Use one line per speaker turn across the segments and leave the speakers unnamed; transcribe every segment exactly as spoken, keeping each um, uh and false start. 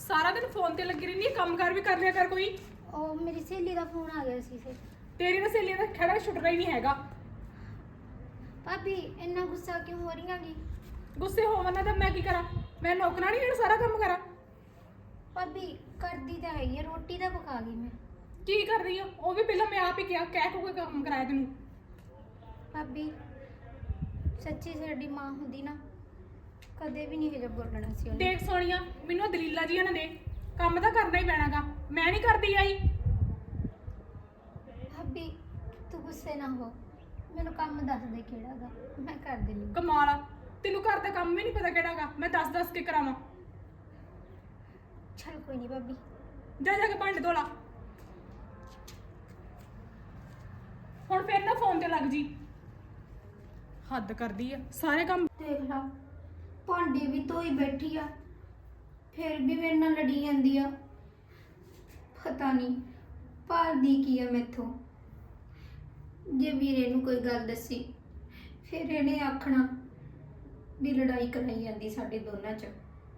ਸਾਰਾ ਦਿਨ ਫੋਨ ਤੇ ਲੱਗੀ ਰਹਿੰਦੀ, ਕੰਮ ਕਰ ਵੀ ਕਰ ਲਿਆ ਕਰ ਕੋਈ।
ਉਹ ਮੇਰੀ ਸਹੇਲੀ ਦਾ ਫੋਨ ਆ ਗਿਆ ਸੀ ਫਿਰ।
ਤੇਰੀ ਤਾਂ ਸਹੇਲੀ ਦਾ ਖੜਾ ਛੁੱਟਣਾ ਹੀ ਨਹੀਂ ਹੈਗਾ।
ਭਾਬੀ ਇੰਨਾ ਗੁੱਸਾ ਕਿਉਂ ਹੋ ਰਹੀਆਂ ਗੀ?
ਗੁੱਸੇ ਹੋਵਾਂ ਨਾ ਤਾਂ ਮੈਂ ਕੀ ਕਰਾਂ? ਮੈਂ ਨੌਕਰਾਂ ਨਹੀਂ ਜਿਹੜਾ ਸਾਰਾ ਕੰਮ ਕਰਾਂ?
ਭਾਬੀ ਕਰਦੀ ਤਾਂ ਹੈਗੀ ਆ, ਰੋਟੀ ਤਾਂ ਪਕਾ ਗਈ ਮੈਂ।
ਕੀ ਕਰ ਰਹੀ ਆ? ਉਹ ਵੀ ਪਹਿਲਾਂ ਮੈਂ ਆਪ ਹੀ ਕਿਹਾ, ਕਹਿ ਕੋ ਕੰਮ ਕਰਾਇਆ ਤੈਨੂੰ।
ਭਾਬੀ ਸੱਚੀ ਸਾਡੀ ਮਾਂ ਹੁੰਦੀ ਨਾ ਕਦੇ ਵੀ ਨਹੀਂ ਹਜੇ ਬੋਲਣਾ ਸੀ ਉਹਨੇ।
ਦੇਖ ਸੋਨੀਆ, ਮੈਨੂੰ ਆਹ ਦਲੀਲਾਂ ਜੀਆਂ ਨਾ ਦੇ, ਕੰਮ ਤਾਂ ਕਰਨਾ ਹੀ ਪੈਣਾਗਾ। ਮੈਂ ਨਹੀਂ ਕਰਦੀ ਆਈ।
ਭਾਬੀ ਤੂੰ ਗੁੱਸੇ ਨਾ ਹੋ, ਮੈਨੂੰ ਕੰਮ ਦੱਸ ਦੇ ਕਿਹੜਾਗਾ, ਮੈਂ ਕਰ ਦਿੰਦੀ।
ਕਮਾਲ ਆ, ਤੈਨੂੰ ਘਰ ਦਾ ਕੰਮ ਵੀ ਨਹੀਂ ਪਤਾ ਕਿਹੜਾਗਾ। ਮੈਂ ਦੱਸ ਦੱਸ ਕੇ ਕਰਾਵਾਂ?
ਚਲ ਕੋਈ ਨਹੀਂ ਭਾਬੀ,
ਜਾ ਜਾ ਕੇ ਭਾਂਡੇ ਧੋ ਲਾ। ਹੁਣ ਫਿਰ ਨਾ ਫੋਨ ਤੇ ਲੱਗ ਜੀ। ਹੱਦ ਕਰਦੀ ਆ, ਸਾਰੇ ਕੰਮ
ਦੇਖ ਲਾ ਭਾਂਡੇ ਵੀ ਧੋਈ ਬੈਠੀ ਆ, ਫਿਰ ਵੀ ਮੇਰੇ ਨਾਲ ਲੜੀ ਜਾਂਦੀ ਆ। ਪਤਾ ਨਹੀਂ ਭਾਲਦੀ ਕੀ ਆ ਮੈਥੋਂ। ਜੇ ਵੀਰੇ ਨੂੰ ਕੋਈ ਗੱਲ ਦੱਸੀ ਫਿਰ ਇਹਨੇ ਆਖਣਾ ਵੀ ਲੜਾਈ ਕਰਾਈ ਜਾਂਦੀ ਸਾਡੇ ਦੋਨਾਂ 'ਚ।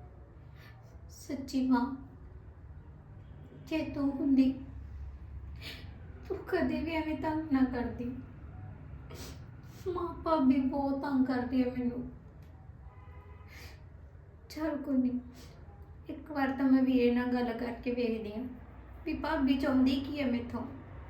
ਸੱਚੀ ਮਾਂ, ਜੇ ਤੂੰ ਹੁੰਦੀ ਤੂੰ ਕਦੇ ਵੀ ਐਵੇਂ ਤੰਗ ਨਾ ਕਰਦੀ। ਮਾਂ ਭਾਬੀ ਬਹੁਤ ਤੰਗ ਕਰਦੀ ਹੈ ਮੈਨੂੰ। ਚਲ ਕੋਈ ਨਹੀਂ, ਇੱਕ ਵਾਰ ਤਾਂ ਮੈਂ ਵੀਰੇ ਨਾਲ ਗੱਲ ਕਰਕੇ ਵੇਖਦੀ ਹਾਂ ਵੀ ਭਾਬੀ ਚਾਹੁੰਦੀ ਕੀ ਹੈ ਮੈਥੋਂ।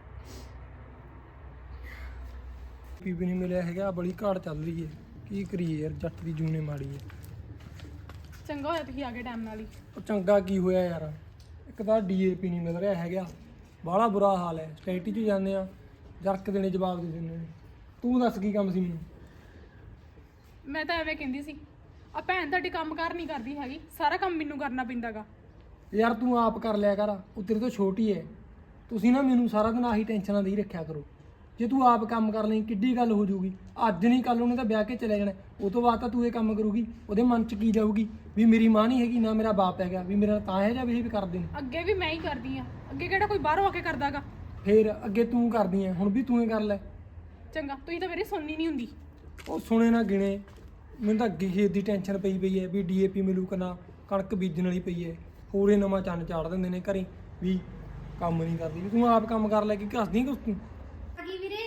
ਪੀ ਵੀ ਨਹੀਂ ਮਿਲਿਆ ਹੈਗਾ, ਬੜੀ ਘਾਟ ਚੱਲ ਰਹੀ ਹੈ। ਕੀ ਕਰੀਏ ਯਾਰ, ਜੱਟ ਦੀ ਜੂਨੇ ਮਾੜੀ ਹੈ।
ਚੰਗਾ ਹੋਇਆ ਤੁਸੀਂ ਆ ਗਏ ਟਾਈਮ ਨਾਲ ਹੀ।
ਉਹ ਚੰਗਾ ਕੀ ਹੋਇਆ ਯਾਰ, ਇੱਕ ਤਾਂ ਡੀਏਪੀ ਨਹੀਂ ਮਿਲ ਰਿਹਾ ਹੈਗਾ, ਬਾਹਲਾ ਬੁਰਾ ਹਾਲ ਹੈ। ਸਟੈਟੀ 'ਚ ਜਾਂਦੇ ਆ, ਜਰਕ ਦੇਣੇ ਜਵਾਬ ਦੇ ਦਿੰਦੇ ਨੇ। ਤੂੰ ਦੱਸ ਕੀ ਕੰਮ ਸੀ ਮੈਨੂੰ?
ਮੈਂ ਤਾਂ ਐਵੇਂ ਕਹਿੰਦੀ ਸੀ, ਆ ਭੈਣ ਤੁਹਾਡੀ ਕੰਮ ਕਾਰ ਨਹੀਂ ਕਰਦੀ ਹੈਗੀ, ਸਾਰਾ ਕੰਮ ਮੈਨੂੰ ਕਰਨਾ ਪੈਂਦਾਗਾ।
ਯਾਰ ਤੂੰ ਆਪ ਕਰ ਲਿਆ ਕਰ, ਉਹ ਤੇਰੇ ਤੋਂ ਛੋਟੀ ਹੈ। ਤੁਸੀਂ ਨਾ ਮੈਨੂੰ ਸਾਰਾ ਦਿਨ ਆਹੀ ਟੈਨਸ਼ਨਾਂ ਦੇ ਹੀ ਰੱਖਿਆ ਕਰੋ। ਜੇ ਤੂੰ ਆਪ ਕੰਮ ਕਰ ਲਈ ਕਿੱਡੀ ਗੱਲ ਹੋ ਜਾਊਗੀ। ਅੱਜ ਨਹੀਂ ਕੱਲ ਉਹਨੇ ਤਾਂ ਵਿਆਹ ਕੇ ਚਲੇ ਜਾਣਾ, ਉਹ ਤੋਂ ਬਾਅਦ ਤਾਂ ਤੂੰ ਇਹ ਕੰਮ ਕਰੂਗੀ। ਉਹਦੇ ਮਨ 'ਚ ਕੀ ਜਾਊਗੀ ਵੀ ਮੇਰੀ ਮਾਂ ਨਹੀਂ ਹੈਗੀ, ਨਾ ਮੇਰਾ ਬਾਪ ਹੈਗਾ, ਵੀ ਮੇਰਾ ਤਾਂ ਹੈ ਜਾਂ ਵੀ ਇਹ ਵੀ ਕਰਦੇ ਨੇ।
ਅੱਗੇ ਵੀ ਮੈਂ ਹੀ ਕਰਦੀ ਆ, ਅੱਗੇ ਕਿਹੜਾ ਕੋਈ ਬਾਹਰੋਂ ਆ ਕੇ ਕਰਦਾਗਾ।
ਫੇਰ ਅੱਗੇ ਤੂੰ ਕਰਦੀ ਹੈ, ਹੁਣ ਵੀ ਤੂੰ ਹੀ ਕਰ ਲੈ।
ਚੰਗਾ, ਤੁਸੀਂ ਤਾਂ ਮੇਰੀ ਸੁਣਨੀ ਨਹੀਂ ਹੁੰਦੀ।
ਉਹ ਸੁਣੇ ਨਾ ਗਿਣੇ, ਮੈਨੂੰ ਤਾਂ ਅੱਗੇ ਖੇਤ ਦੀ ਟੈਨਸ਼ਨ ਪਈ ਪਈ ਹੈ ਵੀ ਡੀਏਪੀ ਮਿਲੂ ਕਿ ਨਾ, ਕਣਕ ਬੀਜਣ ਵਾਲੀ ਪਈ ਹੈ। ਹੋਰੇ ਨਵਾਂ ਚੰਨ ਚਾੜ ਦਿੰਦੇ ਨੇ ਘਰੇ ਵੀ ਕੰਮ ਨਹੀਂ ਕਰਦੀ। ਵੀ ਤੂੰ ਆਪ ਕੰਮ ਕਰ ਲੈ, ਕਿ ਘਸਦੀ ਕੁਛ ਤੂੰ?
ਆ ਗਈ ਵੀਰੇ,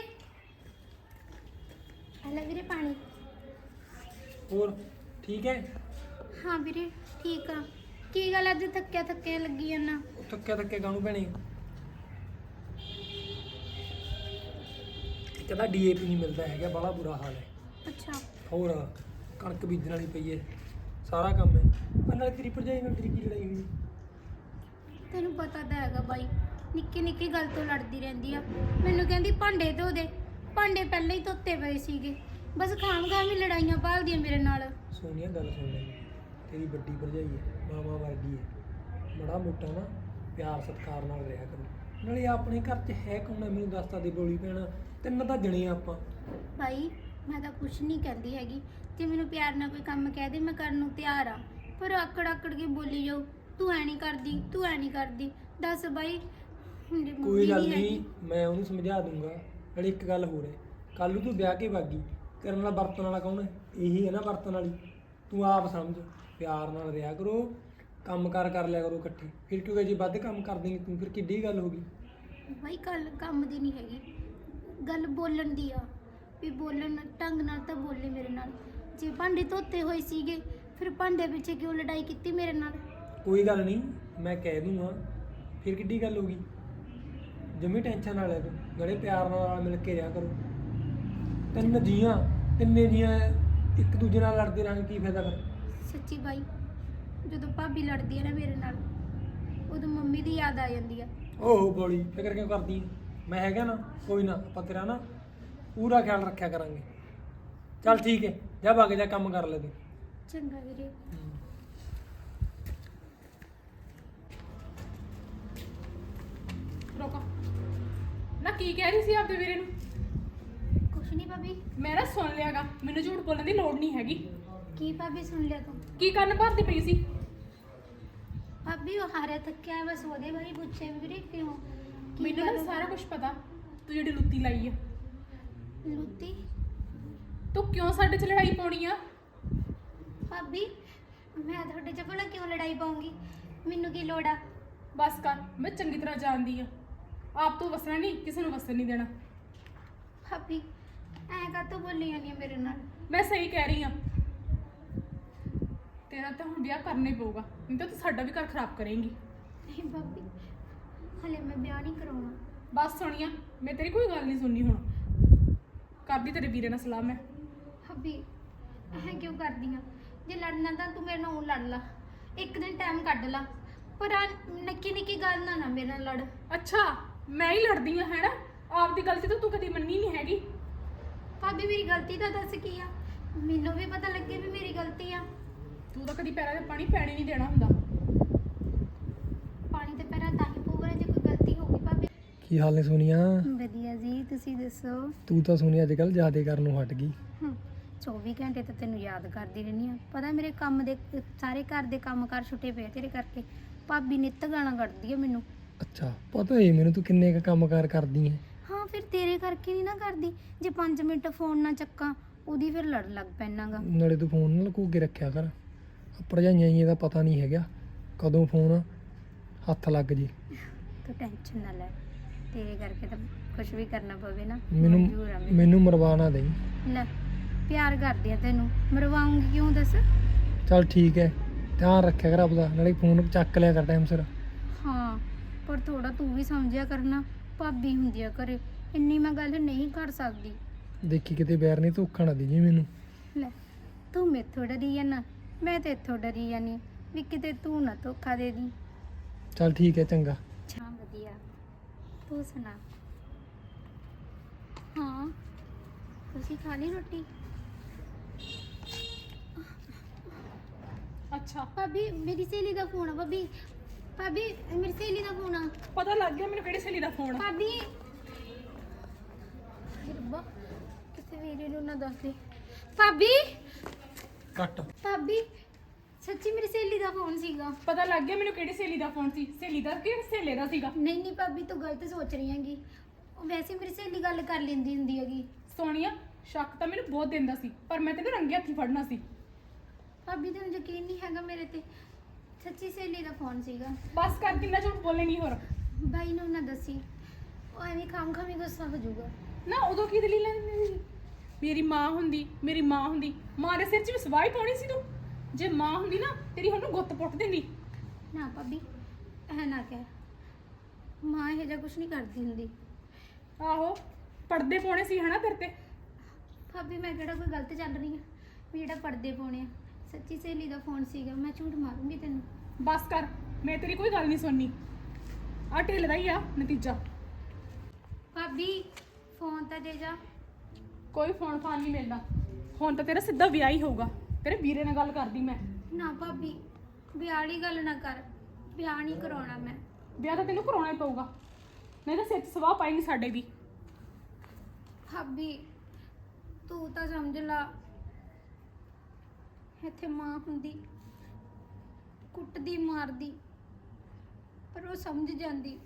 ਹਲੇ ਵੀਰੇ ਪਾਣੀ।
ਹੋਰ ਠੀਕ ਹੈ?
ਹਾਂ ਵੀਰੇ ਠੀਕ ਆ। ਕੀ ਗੱਲ ਅੱਜ ਥੱਕਿਆ ਥੱਕਿਆ ਲੱਗੀ ਜਾਂਦਾ?
ਉਹ ਥੱਕਿਆ ਥੱਕੇ ਕਾਹਨੂੰ ਭੈਣੇ, ਕਹਿੰਦਾ ਡੀਏਪੀ ਨਹੀਂ ਮਿਲਦਾ ਹੈਗਾ, ਬੜਾ ਬੁਰਾ ਹਾਲ ਹੈ।
ਅੱਛਾ
ਹੋਰ ਕਣਕ ਬੀਜਣ ਵਾਲੀ ਪਈ ਹੈ, ਸਾਰਾ ਕੰਮ ਹੈ। ਨਾਲ ਤੇਰੀ ਭਰਜਾਈ ਨਾਲ ਤੇਰੀ ਕੀ ਲੜਾਈ ਹੋਈ?
ਤੈਨੂੰ ਪਤਾ ਤਾਂ ਹੈਗਾ ਬਾਈ, ਨਿੱਕੀ ਨਿੱਕੀ ਗੱਲ ਤੋਂ ਲੜਦੀ ਰਹਿੰਦੀ ਆ। ਮੈਨੂੰ ਕਹਿੰਦੀ ਭਾਂਡੇ ਧੋ ਦੇ, ਭਾਂਡੇ ਪਹਿਲਾਂ ਹੀ ਧੋਤੇ ਪਏ ਸੀਗੇ। ਬਸ ਖਾਮ ਖਾਮ ਹੀ ਲੜਾਈਆਂ ਭਾਲਦੀ ਆ ਮੇਰੇ ਨਾਲ।
ਸੋਨੀਆ ਗੱਲ ਸੁਣ ਲੈ, ਤੇਰੀ ਵੱਡੀ ਭਰਜਾਈ ਹੈ, ਮਾਮਾ ਵਰਗੀ ਹੈ। ਬੜਾ ਮੋਟਾ ਨਾ ਪਿਆਰ ਸਤਿਕਾਰ ਨਾਲ ਰਿਹਾ ਕਰੋ। ਨਾਲੇ ਆਪਣੇ ਘਰ 'ਚ ਹੈ ਕੌਣ ਹੈ ਮੈਨੂੰ ਦੱਸ ਤਾਂ ਦੇ। ਬੋਲੀ ਪੈਣਾ ਤਿੰਨ ਤਾਂ ਜਣੇ ਆਪਾਂ।
ਭਾਈ ਮੈਂ ਤਾਂ ਕੁਛ ਨਹੀਂ ਕਹਿੰਦੀ ਹੈਗੀ, ਜੇ ਮੈਨੂੰ ਪਿਆਰ ਨਾਲ ਕੋਈ ਕੰਮ ਕਹਿ ਦੇ ਮੈਂ ਕਰਨ ਨੂੰ ਤਿਆਰ ਆ। ਪਰ ਆਕੜ ਆਕੜ ਕੇ ਬੋਲੀ ਜਾਓ, ਤੂੰ ਐ ਨਹੀਂ ਕਰਦੀ, ਤੂੰ ਐ ਨਹੀਂ ਕਰਦੀ। ਦੱਸ ਬਾਈ,
ਕੋਈ ਗੱਲ ਨਹੀਂ, ਮੈਂ ਉਹਨੂੰ ਸਮਝਾ ਦੂੰਗਾ। ਨਾਲੇ ਇੱਕ ਗੱਲ ਹੋਰ ਹੈ, ਕੱਲ ਨੂੰ ਤੂੰ ਵਿਆਹ ਕੇ ਵਾਗੀ, ਤੇਰੇ ਨਾਲ ਵਰਤਣ ਵਾਲਾ ਕੌਣ ਹੈ? ਇਹੀ ਹੈ ਨਾ ਵਰਤਣ ਵਾਲੀ। ਤੂੰ ਆਪ ਸਮਝ, ਪਿਆਰ ਨਾਲ ਰਿਹਾ ਕਰੋ, ਕੰਮ ਕਾਰ ਕਰ ਲਿਆ ਕਰੋ ਇਕੱਠੇ। ਫਿਰ ਕਿਉਂਕਿ ਜੇ ਵੱਧ ਕੰਮ ਕਰ ਦੇਂਗੀ ਤੂੰ, ਫਿਰ ਕਿੱਡੀ ਗੱਲ ਹੋ ਗਈ?
ਬਾਈ ਗੱਲ ਕੰਮ ਦੀ ਨਹੀਂ ਹੈਗੀ, ਗੱਲ ਬੋਲਣ ਦੀ ਆ। ਵੀ ਬੋਲਣ ਢੰਗ ਨਾਲ ਤਾਂ ਬੋਲੇ ਮੇਰੇ ਨਾਲ। ਜੇ ਭਾਂਡੇ ਧੋਤੇ ਹੋਏ ਸੀਗੇ ਫਿਰ ਭਾਂਡੇ ਪਿੱਛੇ ਕਿਉਂ ਲੜਾਈ ਕੀਤੀ ਮੇਰੇ ਨਾਲ?
ਕੋਈ ਗੱਲ ਨਹੀਂ, ਮੈਂ ਕਹਿ ਦੂੰਗਾ। ਫਿਰ ਕਿੱਡੀ ਗੱਲ ਹੋ ਗਈ? ਜਮੀ ਟੈਨਸ਼ਨ ਨਾ ਲੈ ਤੂੰ, ਨਾਲੇ ਪਿਆਰ ਨਾਲ ਮਿਲ ਕੇ ਰਿਹਾ ਕਰੋ। ਤਿੰਨ ਜੀਆਂ ਤਿੰਨੇ ਜੀਆਂ ਇੱਕ ਦੂਜੇ ਨਾਲ ਲੜਦੇ ਰਹਿਣ ਕੀ ਫਾਇਦਾ ਫਿਰ?
ਸੱਚੀ ਬਾਈ, ਜਦੋਂ ਭਾਬੀ ਲੜਦੀ ਹੈ ਨਾ ਮੇਰੇ ਨਾਲ, ਉਦੋਂ ਮੰਮੀ ਦੀ ਯਾਦ ਆ ਜਾਂਦੀ ਆ।
ਓਹ ਬੋਲੀ ਫਿਕਰ ਕਿਉਂ ਕਰਦੀ ਹੈ? ਮੈਂ ਹੈਗਾ ਨਾ, ਕੋਈ ਨਾ, ਆਪਾਂ ਤੇਰਾ ਨਾ ਪੂਰਾ ਖਿਆਲ ਰੱਖਿਆ ਕਰਾਂਗੇ। ਚੱਲ ਠੀਕ ਹੈ, ਜਾ ਵਗ ਜਾ, ਕੰਮ ਕਰ ਲੈ ਤੂੰ।
ਚੰਗਾ ਵੀਰੇ।
ਰੋਕੋ ਨਾ, ਕੀ ਕਹਿ ਰਹੀ ਸੀ ਆਪਦੇ ਵੀਰੇ ਨੂੰ?
ਕੁਛ ਨਹੀਂ ਭਾਬੀ।
ਮੈਂ ਨਾ ਸੁਣ ਲਿਆਗਾ, ਮੈਨੂੰ ਝੂਠ ਬੋਲਣ ਦੀ ਲੋੜ ਨਹੀਂ ਹੈਗੀ।
ਕੀ ਭਾਬੀ ਸੁਣ ਲਿਆ ਤੂੰ?
ਕੀ ਕੰਨ ਭਰਦੀ ਪਈ ਸੀ?
ਭਾਬੀ ਉਹ ਹਾਰਿਆ ਥੱਕਿਆ ਹੈ, ਬਸ ਉਹਦੇ ਬਾਰੇ ਪੁੱਛਿਆ ਵੀਰੇ ਕਿਉਂ? ਕੀ
ਮੈਨੂੰ
ਗੱਲ
ਨਾ
ਹੋ-
ਸਾਰਾ ਕੁਝ ਪਤਾ, ਤੂੰ ਜਿਹੜੀ ਲੁੱਤੀ ਲਾਈ ਆ।
ਲੁੱਤੀ?
ਤੂੰ ਕਿਉਂ ਸਾਡੇ 'ਚ ਲੜਾਈ ਪਾਉਣੀ ਆ?
ਭਾਬੀ ਮੈਂ ਤੁਹਾਡੇ 'ਚ ਭਲਾ ਕਿਉਂ ਲੜਾਈ ਪਾਉਂਗੀ? ਮੈਨੂੰ ਕੀ ਲੋੜ ਆ?
ਬਸ ਕਰ, ਮੈਂ ਚੰਗੀ ਤਰ੍ਹਾਂ ਜਾਣਦੀ ਆ। ਆਪ ਤੋਂ ਵਸਣਾ ਨਹੀਂ, ਕਿਸੇ ਨੂੰ ਵਸਣ ਨਹੀਂ ਦੇਣਾ।
ਭਾਬੀ ਐਂ ਕਾਹਤੋਂ ਬੋਲੀ ਜਾਂਦੀ ਆ ਮੇਰੇ ਨਾਲ?
ਮੈਂ ਸਹੀ ਕਹਿ ਰਹੀ ਆ। ਤੇਰਾ ਤਾਂ ਹੁਣ ਵਿਆਹ ਕਰਨਾ ਹੀ ਪਊਗਾ, ਨਹੀਂ ਤਾਂ ਤੂੰ ਸਾਡਾ ਵੀ ਘਰ ਖਰਾਬ ਕਰੇਂਗੀ।
ਨਹੀਂ ਭਾਬੀ, ਹਲੇ ਮੈਂ ਵਿਆਹ ਨਹੀਂ ਕਰਾਉਣਾ।
ਬਸ ਸੁਣੀਆ, ਮੈਂ ਤੇਰੀ ਕੋਈ ਗੱਲ ਨਹੀਂ ਸੁਣਨੀ ਹੁਣ। ਕਰਦੀ ਤੇਰੇ ਵੀਰੇ ਨਾਲ ਸਲਾਹ ਮੈਂ।
ਭਾਬੀ ਐਂ ਕਿਉਂ ਕਰਦੀ ਆ? ਜੇ ਲੜਨਾ ਤਾਂ ਤੂੰ ਮੇਰੇ ਨਾਲ ਊਂ ਲੜ ਲਾ, ਇੱਕ ਦਿਨ ਟਾਈਮ ਕੱਢ ਲਾ, ਪਰ ਆ ਨਿੱਕੀ ਨਿੱਕੀ ਗੱਲ ਨਾ ਨਾ ਮੇਰੇ ਨਾਲ ਲੜ।
ਅੱਛਾ, ਮੈਂ ਹੀ ਲੜਦੀ ਆ ਹੈ ਨਾ? ਆਪਦੀ ਗਲਤੀ ਤਾਂ ਤੂੰ ਕਦੀ ਮੰਨੀ ਨਹੀਂ ਹੈਗੀ।
ਭਾਬੀ ਮੇਰੀ ਗਲਤੀ ਤਾਂ ਦੱਸ ਕੀ ਆ? ਮੈਨੂੰ ਵੀ ਪਤਾ ਲੱਗੇ ਵੀ ਮੇਰੀ ਗਲਤੀ ਆ।
ਤੂੰ ਤਾਂ ਕਦੀ ਪੈਰਾਂ 'ਤੇ ਪਾਣੀ ਪੈਣੇ ਨਹੀਂ ਦੇਣਾ ਹੁੰਦਾ।
ਪਾਣੀ ਤੇ ਪੈਰਾਂ ਤਾਂ ਹੀ ਪਊਗਾ ਜੇ ਕੋਈ ਗਲਤੀ ਹੋਊਗੀ। ਭਾਬੀ
ਕੀ ਹਾਲ ਨੇ ਸੋਨੀਆ?
ਵਧੀਆ ਜੀ, ਤੁਸੀਂ ਦੱਸੋ?
ਤੂੰ ਤਾਂ ਸੋਨੀਆ ਅੱਜ ਕੱਲ੍ਹ ਜ਼ਿਆਦਾ ਕਰਨ ਨੂੰ ਹਟ ਗਈ।
ਹਮ, ਚੌਵੀ ਘੰਟੇ ਤਾਂ ਤੈਨੂੰ ਯਾਦ ਕਰਦੀ ਰਹਿੰਦੀ ਆ। ਪਤਾ ਮੇਰੇ ਕੰਮ ਦੇ ਸਾਰੇ ਘਰ ਦੇ ਕੰਮ ਕਾਰ ਛੁੱਟੇ ਪਏ ਤੇਰੇ ਕਰਕੇ। ਭਾਬੀ ਨਿੱਤ ਗਾਲਾਂ ਕੱਢਦੀ ਆ ਮੈਨੂੰ।
ਅੱਛਾ, ਪਤਾ ਏ ਮੈਨੂੰ ਤੂੰ ਕਿੰਨੇ ਕੁ ਕੰਮਕਾਰ ਕਰਦੀ ਹੈ।
ਹਾਂ ਫਿਰ ਤੇਰੇ ਕਰਕੇ ਨਹੀਂ ਨਾ ਕਰਦੀ। ਜੇ ਪੰਜ ਮਿੰਟ ਫੋਨ ਨਾ ਚੱਕਾਂ ਉਹਦੀ ਫਿਰ ਲੜ ਲੱਗ ਪੈਣਾਗਾ।
ਨਾਲੇ ਤੂੰ ਫੋਨ ਨਾਲ ਲੁਕੋ ਕੇ ਰੱਖਿਆ ਕਰ। ਭਰਜਾਈਆਂ ਹੀ ਇਹਦਾ ਪਤਾ ਨਹੀਂ ਹੈਗਾ ਕਦੋਂ ਫੋਨ ਹੱਥ ਲੱਗ ਜੇ।
ਤੂੰ ਟੈਨਸ਼ਨ ਨਾ ਲੈ, ਤੇਰੇ ਕਰਕੇ ਤਾਂ ਕੁਝ ਵੀ ਕਰਨਾ ਪਵੇ ਨਾ
ਮੈਨੂੰ
ਮਨਜ਼ੂਰ ਆ ਮੈਨੂੰ।
ਮੈਨੂੰ ਮਰਵਾ ਨਾ ਦੇਈਂ।
ਲੈ ਪਿਆਰ ਕਰਦੀ ਆ ਤੈਨੂੰ, ਮਰਵਾਉਂਗੀ ਕਿਉਂ ਦੱਸ?
ਚੱਲ ਠੀਕ ਹੈ, ਧਿਆਨ ਰੱਖਿਆ ਕਰ ਆਪਦਾ। ਨਾਲੇ ਫੋਨ ਚੱਕ ਲਿਆ ਕਰ ਟਾਈਮ ਸਿਰ।
ਹਾਂ ਪਰ ਥੋੜਾ ਤੂੰ ਵੀ ਸਮਝਿਆ ਕਰਨਾ, ਭਾਬੀ ਹੁੰਦੀ ਆ ਘਰੇ, ਇੰਨੀ ਮੈਂ ਗੱਲ ਨਹੀਂ ਕਰ ਸਕਦੀ।
ਦੇਖੀ ਕਿਤੇ ਬੈਰ ਨਹੀਂ ਧੋਖਾ ਨਾ ਦੇ ਜੀ ਮੈਨੂੰ।
ਲੈ ਤੂੰ ਮੈਥੋਂ ਡਰੀ ਜਾਨਾ, ਮੈਂ ਤੇ ਇੱਥੋਂ ਡਰੀ ਜਾਨੀ ਵੀ ਕਿਤੇ ਤੂੰ ਨਾ ਧੋਖਾ ਦੇ ਦੀ।
ਚੱਲ ਠੀਕ ਹੈ, ਚੰਗਾ।
ਅੱਛਾ ਵਧੀਆ, ਤੂੰ ਸੁਣਾ? ਹਾਂ ਤੁਸੀਂ ਖਾ ਲਈ ਰੋਟੀ?
ਅੱਛਾ,
ਭਾਬੀ ਮੇਰੀ ਸਹੇਲੀ ਦਾ ਫੋਨ ਆ। ਭਾਬੀ ਭਾਬੀ ਮੇਰੀ ਸਹੇਲੀ ਦਾ ਫੋਨ ਆ।
ਪਤਾ ਲੱਗ ਗਿਆ ਮੈਨੂੰ ਕਿਹੜੀ ਸਹੇਲੀ ਦਾ ਫੋਨ ਆ।
ਭਾਬੀ ਰੱਬਾ ਕਿਸੇ ਵੀਰੇ ਨੂੰ ਨਾ ਦੱਸ ਦੇ। ਭਾਬੀ
ਕੱਟ।
ਭਾਬੀ ਸੱਚੀ ਮੇਰੀ ਸਹੇਲੀ ਦਾ ਫੋਨ ਸੀਗਾ।
ਪਤਾ ਲੱਗ ਗਿਆ ਮੈਨੂੰ ਕਿਹੜੀ ਸਹੇਲੀ ਦਾ ਫੋਨ ਸੀ। ਸਹੇਲੀ ਦਾ ਕਿ ਸਹੇਲੇ ਦਾ ਸੀਗਾ?
ਨਹੀਂ ਨਹੀਂ ਭਾਬੀ ਤੂੰ ਗਲਤ ਸੋਚ ਰਹੀ ਹੈਗੀ। ਉਹ ਵੈਸੇ ਮੇਰੀ ਸਹੇਲੀ ਗੱਲ ਕਰ ਲੈਂਦੀ ਹੁੰਦੀ ਹੈਗੀ।
ਸੋਨੀਆ, ਸ਼ੱਕ ਤਾਂ ਮੈਨੂੰ ਬਹੁਤ ਦਿੰਦਾ ਸੀ, ਪਰ ਮੈਂ ਤੈਨੂੰ ਰੰਗੇ ਹੱਥੀ ਫੜਨਾ ਸੀ।
ਭਾਬੀ ਤੈਨੂੰ ਯਕੀਨ ਨਹੀਂ ਹੈਗਾ ਮੇਰੇ ਤੇ? ਸੱਚੀ ਸਹੇਲੀ ਦਾ ਫੋਨ ਸੀਗਾ।
ਬਸ ਕਰ, ਕਿੰਨਾ ਝੂਠ ਬੋਲੇਂਗੀ ਹੋਰ?
ਬਾਈ ਨੂੰ ਨਾ ਦੱਸੀ, ਉਹ ਐਵੇਂ ਖਾਮ ਖਾਮੀ ਗੁੱਸਾ ਹੋ ਜਾਊਗਾ।
ਨਾ ਉਦੋਂ ਕੀ ਦਲੀਲ ਲੈਂਦੀ ਸੀ? ਮੇਰੀ ਮਾਂ ਹੁੰਦੀ, ਮੇਰੀ ਮਾਂ ਹੁੰਦੀ, ਮਾਂ ਦੇ ਸਿਰ 'ਚ ਵੀ ਸਵਾਹ ਹੀ ਪਾਉਣੀ ਸੀ ਤੂੰ। ਜੇ ਮਾਂ ਹੁੰਦੀ ਨਾ ਤੇਰੀ ਉਹਨੂੰ ਗੁੱਤ ਪੁੱਟ ਦਿੰਦੀ।
ਨਾ ਭਾਬੀ ਐ ਨਾ ਕਹਿ, ਮਾਂ ਇਹ ਜਿਹਾ ਕੁਝ ਨਹੀਂ ਕਰਦੀ ਹੁੰਦੀ।
ਆਹੋ, ਪਰਦੇ ਪਾਉਣੇ ਸੀ ਹਨਾ ਤੇਰੇ ਤੇ।
ਭਾਬੀ ਮੈਂ ਕਿਹੜਾ ਕੋਈ ਗਲਤ ਚੱਲ ਰਹੀ ਆ ਵੀ ਜਿਹੜਾ ਪਰਦੇ ਪਾਉਣੇ ਆ? ਸੱਚੀ ਸਹੇਲੀ ਦਾ ਫੋਨ ਸੀਗਾ, ਮੈਂ ਝੂਠ ਮਾਰੂੰਗੀ ਤੈਨੂੰ।
ਬਸ ਕਰ, ਮੈਂ ਤੇਰੀ ਕੋਈ ਗੱਲ ਨਹੀਂ ਸੁਣਨੀ। ਆ ਢਿੱਲ ਦਾ ਹੀ ਆ ਨਤੀਜਾ।
ਭਾਬੀ ਫੋਨ ਤਾਂ ਦੇ ਜਾ।
ਕੋਈ ਫੋਨ ਫਾਨ ਨਹੀਂ ਮਿਲਦਾ ਹੁਣ ਤਾਂ ਤੇਰਾ ਸਿੱਧਾ ਵਿਆਹ ਹੀ ਹੋਊਗਾ। ਤੇਰੇ ਵੀਰੇ ਨਾਲ ਗੱਲ ਕਰਦੀ ਮੈਂ।
ਨਾ ਭਾਬੀ ਵਿਆਹ ਵਾਲੀ ਗੱਲ ਨਾ ਕਰ, ਵਿਆਹ ਨਹੀਂ ਕਰਾਉਣਾ ਮੈਂ।
ਵਿਆਹ ਤਾਂ ਤੈਨੂੰ ਕਰਾਉਣਾ ਹੀ ਪਊਗਾ, ਨਹੀਂ ਤਾਂ ਸਿਰ 'ਚ ਸਵਾਹ ਪਾਏਗੀ ਸਾਡੇ ਵੀ।
ਭਾਬੀ ਤੂੰ ਤਾਂ ਸਮਝ ਲਾ, ਇੱਥੇ ਮਾਂ ਹੁੰਦੀ ਕੁੱਟਦੀ ਮਾਰਦੀ, ਪਰ ਉਹ ਸਮਝ ਜਾਂਦੀ।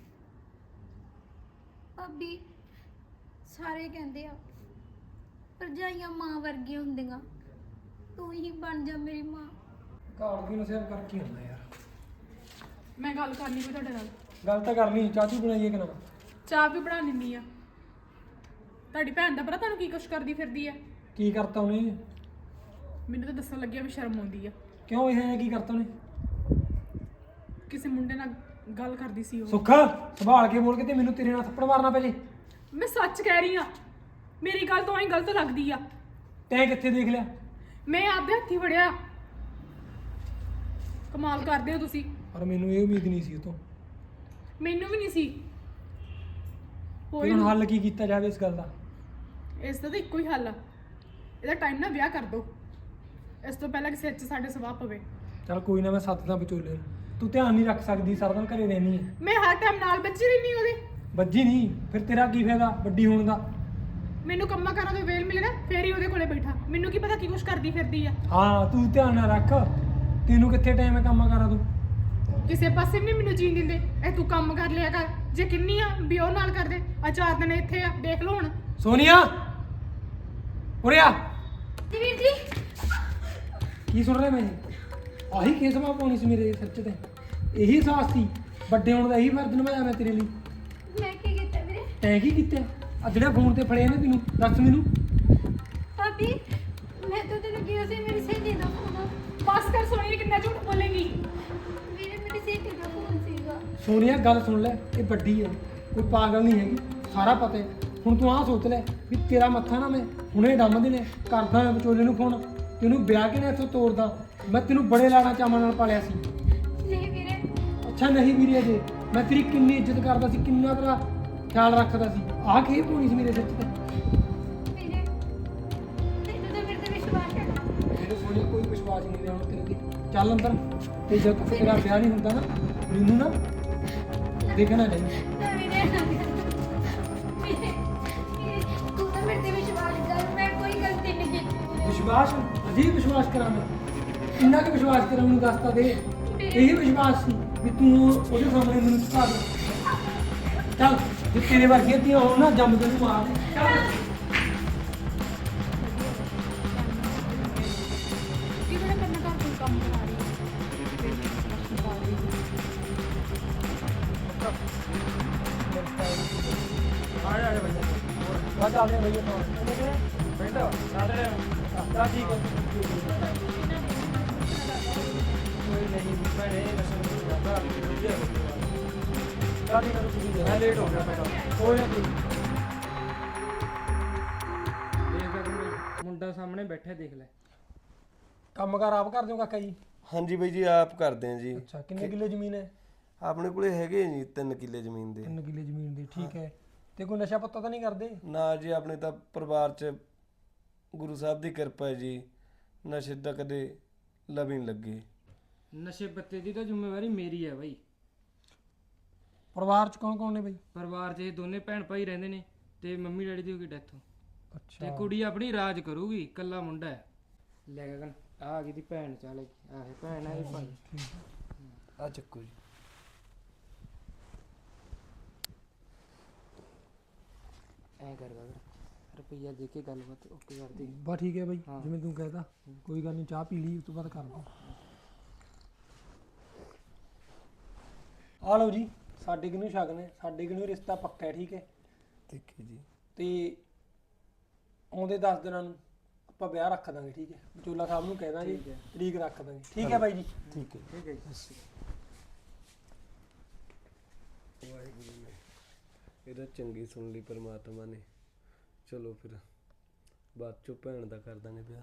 ਭਾਬੀ ਸਾਰੇ ਕਹਿੰਦੇ ਆ ਭਰਜਾਈਆਂ ਮਾਂ ਵਰਗੀਆਂ ਹੁੰਦੀਆਂ, ਤੂੰ ਹੀ ਬਣ ਜਾ ਮੇਰੀ ਮਾਂ।
ਘਰ ਦੀ ਨਸਿਆ ਕਰਕੇ ਹੁੰਦਾ ਯਾਰ।
ਮੈਂ ਗੱਲ ਕਰਨੀ ਕੋਈ ਤੁਹਾਡੇ ਨਾਲ।
ਗੱਲ ਤਾਂ ਕਰਨੀ, ਚਾਚੂ ਬਣਾਈਏ ਕਿ ਨਾ?
ਚਾਹ ਵੀ ਬਣਾ ਲੈਂਦੀ ਆ। ਤੁਹਾਡੀ ਭੈਣ ਦਾ ਪਤਾ ਤੁਹਾਨੂੰ ਕੀ ਕੁਛ ਕਰਦੀ ਫਿਰਦੀ ਆ?
ਕੀ ਕਰਤਾ ਉਹਨੇ?
ਮੈਨੂੰ ਤਾਂ ਦੱਸਣ ਲੱਗਿਆ ਵੀ ਸ਼ਰਮ ਆਉਂਦੀ ਆ।
ਕਿਉਂ ਇਹ ਕੀ ਕਰਤਾ ਉਹਨੇ?
ਕਿਸੇ ਮੁੰਡੇ ਨਾਲ ਗੱਲ ਕਰਦੀ ਸੀ ਉਹ।
ਸੁੱਖਾ ਸੰਭਾਲ ਕੇ ਬੋਲ ਕੇ ਤੇ ਮੈਨੂੰ ਤੇਰੇ ਨਾਲ ਥੱਪੜ ਮਾਰਨਾ ਪੈ ਜੇ।
ਮੈਂ ਸੱਚ ਕਹਿ ਰਹੀ ਆ, ਮੇਰੀ ਗੱਲ ਤੋਂ ਹੀ ਗਲਤ ਲੱਗਦੀ ਆ।
ਤੈਂ ਕਿੱਥੇ ਦੇਖ ਲਿਆ?
ਮੈਂ ਆਪਦੇ ਹੱਥੀ ਫੜਿਆ। ਕਮਾਲ ਕਰਦੇ ਹੋ ਤੁਸੀਂ।
ਪਰ ਮੈਨੂੰ ਇਹ ਉਮੀਦ ਨਹੀਂ ਸੀ ਉਹ ਤੋਂ।
ਮੈਨੂੰ ਵੀ ਨਹੀਂ ਸੀ।
ਤੇ
ਕੋਈ
ਹੁਣ ਹੱਲ ਕੀ ਕੀਤਾ ਜਾਵੇ ਇਸ ਗੱਲ ਦਾ?
ਇਸ ਦਾ ਤਾਂ ਇੱਕੋ ਹੀ ਹੱਲ ਆ, ਇਹਦਾ ਟਾਈਮ ਨਾਲ ਵਿਆਹ ਕਰ ਦੋ, ਇਸ ਤੋਂ ਪਹਿਲਾਂ ਕਿਸੇ 'ਚ ਸਾਡੇ ਸਵਾਹ ਪਵੇ।
ਚੱਲ ਕੋਈ ਨਾ, ਮੈਂ ਸੱਤ ਦਾ ਵਿਚੋਲੇ। ਤੂੰ ਧਿਆਨ ਨਹੀਂ ਰੱਖ ਸਕਦੀ, ਸਾਰਾ ਦਿਨ ਘਰੇ ਰਹਿਣੀ ਹੈ।
ਮੈਂ ਹਰ ਟਾਈਮ ਨਾਲ ਬੱਚੀ ਰਹਿਣੀ ਉਹਦੇ।
ਵੱਜੀ ਨਹੀਂ ਫਿਰ ਤੇਰਾ ਕੀ ਫਾਇਦਾ ਵੱਡੀ ਹੋਣ ਦਾ?
ਮੈਨੂੰ ਕੰਮਾਂ ਕਾਰਾਂ ਤੋਂ ਵੇਲ ਮਿਲੇ ਨਾ ਫੇਰ ਹੀ ਉਹਦੇ ਕੋਲੇ ਬੈਠਾ। ਮੈਨੂੰ ਕੀ ਪਤਾ ਕੀ ਕੁਛ ਕਰਦੀ ਫਿਰਦੀ ਆ।
ਹਾਂ ਤੂੰ ਧਿਆਨ ਨਾ ਰੱਖ, ਤੈਨੂੰ ਕਿੱਥੇ ਟਾਈਮ ਹੈ ਕੰਮਾਂ ਕਾਰਾਂ ਤੂੰ?
ਕਿਸੇ ਪਾਸੇ ਵੀ ਨਹੀਂ ਮੈਨੂੰ ਜੀਣ ਦਿੰਦੇ। ਇਹ ਤੂੰ ਕੰਮ ਕਰ ਲਿਆ ਕਰ, ਜੇ ਕਿੰਨੀ ਆ ਵੀ ਉਹ ਨਾਲ ਕਰਦੇ। ਆ ਚਾਰ ਦਿਨ ਇੱਥੇ ਆ, ਦੇਖ ਲਓ ਹੁਣ।
ਸੋਨੀਆ ਉਰੇ ਆ।
ਜੀ ਵੀਰ ਜੀ
ਕੀ ਸੁਣ ਰਿਹਾ ਮੈਂ? ਆਹੀ ਕੇਸ ਮਾ ਪਾਉਣੀ ਸੀ ਮੇਰੇ ਸਿਰ 'ਚ ਤੇ। ਇਹੀ ਸਾਹਸ ਸੀ ਵੱਡੇ ਹੋਣ ਦਾ ਇਹੀ ਫਰਜ਼ ਨਿਭਾਇਆ ਮੈਂ ਤੇਰੇ ਲਈ।
ਮੈਂ ਕੀ ਕੀਤਾ ਵੀਰੇ?
ਤੈਂ ਕੀ ਕੀਤਾ ਆ ਜਿਹੜਾ ਫੋਨ ਤੇ ਫੜਿਆ ਨੇ ਤੈਨੂੰ ਦੱਸ ਮੈਨੂੰ।
ਭਾਬੀ ਮੈਂ ਤਾਂ ਤੈਨੂੰ ਕਿਹਾ ਸੀ ਮੇਰੀ ਸਹੇਲੀ ਦਾ ਫੋਨ ਆ।
ਬਸ ਕਰ ਸੋਨੀਆ, ਕਿੰਨਾ ਝੂਠ ਬੋਲੇਗੀ।
ਵੀਰੇ ਮੇਰੀ ਸਹੇਲੀ ਦਾ ਫੋਨ ਸੀਗਾ।
ਸੋਨੀਆ ਗੱਲ ਸੁਣ ਲੈ, ਇਹ ਵੱਡੀ ਹੈ, ਕੋਈ ਪਾਗਲ ਨਹੀਂ ਹੈਗੀ, ਸਾਰਾ ਪਤਾ ਹੈ। ਹੁਣ ਤੂੰ ਆਹ ਸੋਚ ਲੈ ਵੀ ਤੇਰਾ ਮੱਥਾ ਨਾ ਮੈਂ ਹੁਣੇ ਡੰਮ ਦੇ ਨੇ ਕਰਦਾ ਮੈਂ ਵਿਚੋਲੇ ਨੂੰ ਫੋਨ, ਤੈਨੂੰ ਵਿਆਹ ਕੇ ਨਾ ਇੱਥੋਂ ਤੋਰਦਾ। ਮੈਂ ਤੈਨੂੰ ਬੜੇ ਲਾਣਾ ਚਾਵਾਂ ਨਾਲ ਪਾਲਿਆ ਸੀ।
ਨਹੀਂ ਵੀਰੇ।
ਅੱਛਾ ਨਹੀਂ ਵੀਰੇ ਜੀ, ਮੈਂ ਤੇਰੀ ਕਿੰਨੀ ਇੱਜ਼ਤ ਕਰਦਾ ਸੀ, ਕਿੰਨਾ ਤੇਰਾ ਖਿਆਲ ਰੱਖਦਾ ਸੀ। ਆਹ ਖੇਪ ਹੋਣੀ ਸੀ ਮੇਰੇ ਸਿਰ ਤੇ।
ਵੀਰੇ ਤੈਨੂੰ ਤਾਂ ਮੇਰੇ ਤੇ ਵਿਸ਼ਵਾਸ ਹੈ ਨਾ।
ਮੇਰੇ ਸੋਨੀਆ ਕੋਈ ਵਿਸ਼ਵਾਸ ਨਹੀਂ ਰਿਹਾ ਹੁਣ ਤੇਰੇ ਤੇ। ਚੱਲ ਅੰਦਰ, ਤੇ ਜਦ ਤੱਕ ਤੇਰਾ ਵਿਆਹ ਨਹੀਂ ਹੁੰਦਾ ਨਾ ਮੈਨੂੰ ਨਾ ਦੇਖਣਾ ਨਹੀਂ।
ਨਾ ਵੀਰੇ ਨਾ ਵੀਰੇ, ਵੀਰੇ, ਤੂੰ ਤਾਂ ਮੇਰੇ ਤੇ ਵਿਸ਼ਵਾਸ ਕਰ, ਮੈਂ ਕੋਈ ਗਲਤੀ ਨਹੀਂ ਕੀਤੀ।
ਵਿਸ਼ਵਾਸ ਅਜੀਬ ਵਿਸ਼ਵਾਸ ਕਰਾਂ ਮੈਂ, ਇੰਨਾ ਕਿ ਵਿਸ਼ਵਾਸ ਕਰਾਂ ਮੈਨੂੰ ਦੱਸਤਾ ਦੇ। ਇਹੀ ਵਿਸ਼ਵਾਸ ਸੀ ਵੀ ਤੂੰ ਉਹਦੇ ਸਾਹਮਣੇ ਮੈਨੂੰ ਝੁਕਾ ਦੇ। ਚੱਲ ਜੇ ਤੇਰੇ ਵਰਗੀਆਂ ਧੀਆਂ ਹੋਣ ਨਾ ਜੰਮ ਤੈਨੂੰ ਮਾਰ ਦੇ। ਚੱਲ
ਕੀ ਬੜਾ ਕਰਨਾ ਘਰ ਕੋਈ ਕੰਮ ਕਰਾ ਰਹੀ ਹੈ।
ਆ ਜਾ ਆ ਭਈਆ, ਬਸ ਆ ਗਿਆ ਭਈਆ ਤਾਂ ਬੈਠਾ ਸਾਰੇ ਆ ਠੀਕ ਹੈ। ਕੋਈ ਨਹੀਂ ਭੈਣੇ ਨਸਲ ਨਹੀਂ ਕਰਦਾ ਵਧੀਆ ਹੋ ਗਿਆ। ਕਾਹਦੀ ਕਰ ਤੁਸੀਂ ਮੈਂ ਲੇਟ ਹੋ ਗਿਆ ਮੈਂ ਕੋਈ ਨਾ ਕੋਈ
ਦੇਖਦਾ ਤੂੰ ਮੁੰਡਾ ਸਾਹਮਣੇ ਬੈਠਾ ਦੇਖ ਲੈ।
ਕੰਮ ਕਾਰ ਆਪ ਕਰ ਦਿਓ ਕਾਕਾ ਜੀ?
ਹਾਂਜੀ ਬਾਈ ਜੀ ਆਪ ਕਰਦੇ ਆ ਜੀ।
ਅੱਛਾ ਕਿੰਨੇ ਕਿੱਲੇ ਜ਼ਮੀਨ ਹੈ?
ਆਪਣੇ ਕੋਲੇ ਹੈਗੇ ਜੀ ਤਿੰਨ ਕਿੱਲੇ ਜ਼ਮੀਨ ਦੇ।
ਤਿੰਨ ਕਿੱਲੇ ਜ਼ਮੀਨ ਦੀ, ਠੀਕ ਹੈ। ਤੇ ਕੋਈ ਨਸ਼ਾ ਪੱਤਾ ਤਾਂ ਨਹੀਂ ਕਰਦੇ?
ਨਾ ਜੀ ਆਪਣੇ ਤਾਂ ਪਰਿਵਾਰ 'ਚ ਗੁਰੂ ਸਾਹਿਬ ਦੀ ਕਿਰਪਾ ਹੈ ਜੀ, ਨਸ਼ੇ ਦਾ ਕਦੇ ਲਵੀ ਨਹੀਂ ਲੱਗੇ।
ਨਸ਼ੇ ਪੱਤੇ ਦੀ ਤਾਂ ਜ਼ਿੰਮੇਵਾਰੀ ਮੇਰੀ ਹੈ ਬਾਈ।
ਪਰਿਵਾਰ ਚ ਕੌਣ ਕੌਣ ਨੇ ਬਈ?
ਪਰਿਵਾਰ 'ਚ ਇਹ ਦੋਨੇ ਭੈਣ ਭਾਈ ਰਹਿੰਦੇ ਨੇ ਤੇ ਮੰਮੀ ਡੈਡੀ ਦੀ ਹੋ ਗਈ ਡੈਥ। ਤੇ
ਅੱਛਾ
ਕੁੜੀ ਆਪਣੀ ਰਾਜ ਕਰੂਗੀ, ਇਕੱਲਾ ਮੁੰਡਾ ਹੈ। ਲੈ ਗਗਨ ਆ ਆ ਗਈ ਦੀ ਭੈਣ, ਚੱਲ ਆਹ ਭੈਣ ਆ ਇਹ ਭਾਈ।
ਆ ਚੱਕੋ ਜੀ।
ਐ ਕਰ ਗਗਨ ਰੁਪਈਆ ਦੇ ਕੇ ਗੱਲਬਾਤ ਓਕੇ ਕਰ ਦੇ।
ਬਸ ਠੀਕ ਹੈ ਬਈ,
ਹਾਂ।
ਜਿਵੇਂ ਤੂੰ ਕਹਿਦਾ ਕੋਈ ਗੱਲ ਨਹੀਂ, ਚਾਹ ਪੀ ਲਈ ਉਸ ਤੋਂ ਬਾਅਦ ਕਰ ਲਓ। ਆ ਲਓ ਜੀ, ਸਾਡੇ ਕਿਨੂੰ ਸ਼ਗਨ ਹੈ, ਸਾਡੇ ਕਿਨੂੰ ਰਿਸ਼ਤਾ ਪੱਕਾ ਹੈ, ਠੀਕ ਹੈ।
ਠੀਕ ਹੈ ਜੀ।
ਤੇ ਆਉਂਦੇ ਦਸ ਦਿਨਾਂ ਨੂੰ ਆਪਾਂ ਵਿਆਹ ਰੱਖ ਦਾਂਗੇ, ਠੀਕ ਹੈ। ਵਿਚੋਲਾ ਸਾਹਿਬ ਨੂੰ ਕਹਿ ਦਾਂਗੇ,
ਠੀਕ ਹੈ।
ਤਰੀਕ ਰੱਖ ਦਾਂਗੇ, ਠੀਕ ਹੈ ਬਾਈ ਜੀ।
ਠੀਕ ਹੈ
ਠੀਕ ਹੈ ਜੀ।
ਵਾਹਿਗੁਰੂ ਨੇ ਇਹਦਾ ਚੰਗੀ ਸੁਣ ਲਈ ਪਰਮਾਤਮਾ ਨੇ। ਚਲੋ ਫਿਰ ਬਾਅਦ ਚੋਂ ਭੈਣ ਦਾ ਕਰ ਦਾਂਗੇ ਵਿਆਹ।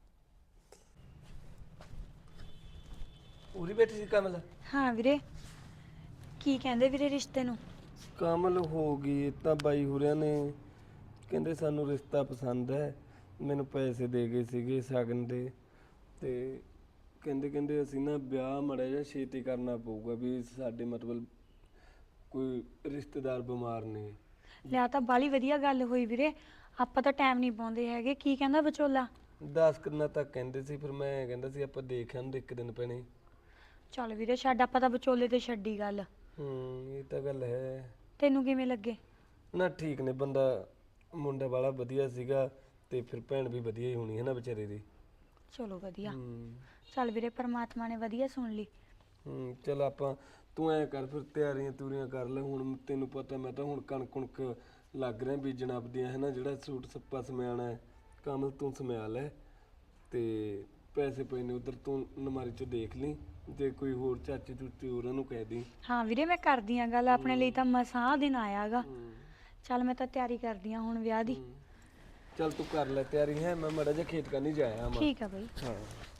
ਉਰੀ ਬੈਠੀ ਸੀ ਕਮਲ?
ਹਾਂ ਵੀਰੇ, ਕੀ ਕਹਿੰਦੇ ਵੀਰੇ ਰਿਸ਼ਤੇ ਨੂੰ?
ਕਮਲ ਹੋ ਗਈ ਇਹ ਤਾਂ ਬਾਈ ਹੋਰਿਆਂ ਨੇ ਕਹਿੰਦੇ ਸਾਨੂੰ ਰਿਸ਼ਤਾ ਪਸੰਦ ਹੈ। ਮੈਨੂੰ ਪੈਸੇ ਦੇ ਗਏ ਸੀਗੇ ਸ਼ਗਨ ਦੇ, ਤੇ ਕਹਿੰਦੇ ਕਹਿੰਦੇ ਅਸੀਂ ਨਾ ਵਿਆਹ ਮਾੜਾ ਜਿਹਾ ਛੇਤੀ ਕਰਨਾ ਪਊਗਾ ਵੀ ਸਾਡੇ ਮਤਲਬ ਕੋਈ ਰਿਸ਼ਤੇਦਾਰ ਬਿਮਾਰ ਨੇ।
ਲਿਆ ਤਾਂ ਬਾਲੀ ਵਧੀਆ ਗੱਲ ਹੋਈ ਵੀਰੇ, ਆਪਾਂ ਤਾਂ ਟਾਈਮ ਨਹੀਂ ਪਾਉਂਦੇ ਹੈਗੇ। ਕੀ ਕਹਿੰਦਾ ਵਿਚੋਲਾ?
ਦਸ ਕਿੰਨਾ ਤੱਕ ਕਹਿੰਦੇ ਸੀ, ਫਿਰ ਮੈਂ ਕਹਿੰਦਾ ਸੀ ਆਪਾਂ ਦੇਖ ਆਂਦੇ ਇੱਕ ਦਿਨ ਪੈਣੇ।
ਚੱਲ ਵੀਰੇ ਛੱਡ, ਆਪਾਂ ਤਾਂ ਵਿਚੋਲੇ ਤੇ ਛੱਡੀ ਗੱਲ।
ਹੂੰ ਇਹ ਤਾਂ ਗੱਲ ਹੈ।
ਤੈਨੂੰ ਕਿਵੇਂ ਲੱਗੇ?
ਨਾ ਠੀਕ ਨੇ, ਬੰਦਾ ਮੁੰਡਾ ਵਾਲਾ ਵਧੀਆ ਸੀਗਾ, ਤੇ ਫਿਰ ਭੈਣ ਵੀ ਵਧੀਆ ਹੀ ਹੋਣੀ ਹੈ ਨਾ ਵਿਚਾਰੇ ਦੀ।
ਚਲੋ ਵਧੀਆ।
ਹੂੰ
ਚੱਲ ਵੀਰੇ ਪਰਮਾਤਮਾ ਨੇ ਵਧੀਆ ਸੁਣ ਲਈ।
ਹੂੰ ਚਲ ਆਪਾਂ ਤੂੰ ਐ ਕਰ ਫਿਰ ਤਿਆਰੀਆਂ ਤੂਰੀਆਂ ਕਰ ਲੈ। ਹੁਣ ਤੈਨੂੰ ਪਤਾ ਮੈਂ ਤਾਂ ਹੁਣ ਕਣਕ ਕੁਣਕ ਲੱਗ ਰਿਹਾ ਬੀਜਣ ਆਪਦੀਆਂ ਹੈ ਨਾ, ਜਿਹੜਾ ਸੂਟ ਸੱਪਾ ਸਮਿਆਣਾ ਹੈ ਕਮਲ ਤੂੰ ਸਮਿਆ ਲੈ, ਤੇ ਪੈਸੇ ਪਏ ਨੇ ਉਧਰ ਤੂੰ ਨਮਾਰੀ 'ਚ ਦੇਖ ਲਈ, ਜੇ ਕੋਈ ਹੋਰ ਚਾਚੀ ਚੂਚੀ ਉਹਨਾਂ ਨੂੰ ਕਹਿ ਦੀ।
ਹਾਂ ਵੀਰੇ ਮੈਂ ਕਰਦੀ ਆ ਗੱਲ, ਆਪਣੇ ਲਈ ਤਾਂ ਮਸਾਂ ਦਿਨ ਆਇਆਗਾ। ਚੱਲ ਮੈਂ ਤਾਂ ਤਿਆਰੀ ਕਰਦੀ ਆ ਹੁਣ ਵਿਆਹ ਦੀ।
ਚੱਲ ਤੂੰ ਕਰ ਲੈ ਤਿਆਰੀ ਹੈ, ਮੈਂ ਮਾੜਾ ਜਿਹਾ ਖੇਤ ਕਰਨੀ ਜਾਇਆ ਮੈਂ।
ਠੀਕ ਆ ਬਈ।
ਹਾਂ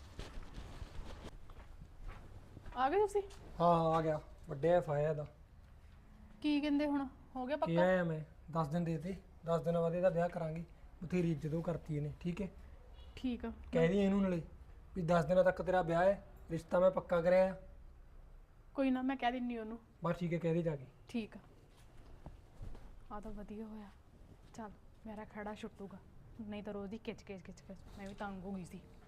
ਆ ਗਏ ਤੁਸੀਂ?
ਹਾਂ ਹਾਂ ਆ ਗਿਆ, ਵੱਡੇ ਐਫ ਆਇਆ ਦਾ।
ਕੀ ਕਹਿੰਦੇ ਹੁਣ ਹੋ ਗਿਆ
ਕੀ
ਪੱਕਾ?
ਆਇਆ ਮੈਂ ਦਸ ਦਿਨ ਦੇ ਤੇ, ਦਸ ਦਿਨਾਂ ਬਾਅਦ ਇਹਦਾ ਵਿਆਹ ਕਰਾਂਗੇ। ਬਥੇਰੀ ਇੱਜ਼ਤ ਉਹ ਕਰਤੀ ਇਹਨੇ, ਠੀਕ ਹੈ।
ਠੀਕ ਆ।
ਕਹਿ ਦੀ ਇਹਨੂੰ ਨਾਲੇ ਵੀ ਦਸ ਦਿਨਾਂ ਤੱਕ ਤੇਰਾ ਵਿਆਹ ਹੈ, ਰਿਸ਼ਤਾ ਮੈਂ ਪੱਕਾ ਕਰਿਆ।
ਕੋਈ ਨਾ, ਮੈਂ ਕਹਿ ਦਿੰਨੀ ਉਹਨੂੰ।
ਬਸ ਠੀਕ ਹੈ, ਕਹਿ ਦੇ ਜਾ ਕੇ।
ਠੀਕ ਆ। ਆ ਤਾਂ ਵਧੀਆ ਹੋਇਆ। ਚੱਲ ਮੇਰਾ ਖੜਾ ਛੁੱਟੂਗਾ, ਨਹੀਂ ਤਾਂ ਰੋਜ਼ ਦੀ ਖਿੱਚ ਖਿੱਚ ਖਿੱਚ ਖਿੱਚ ਮੈਂ ਵੀ ਤੰਗ ਹੋ ਗਈ ਸੀ।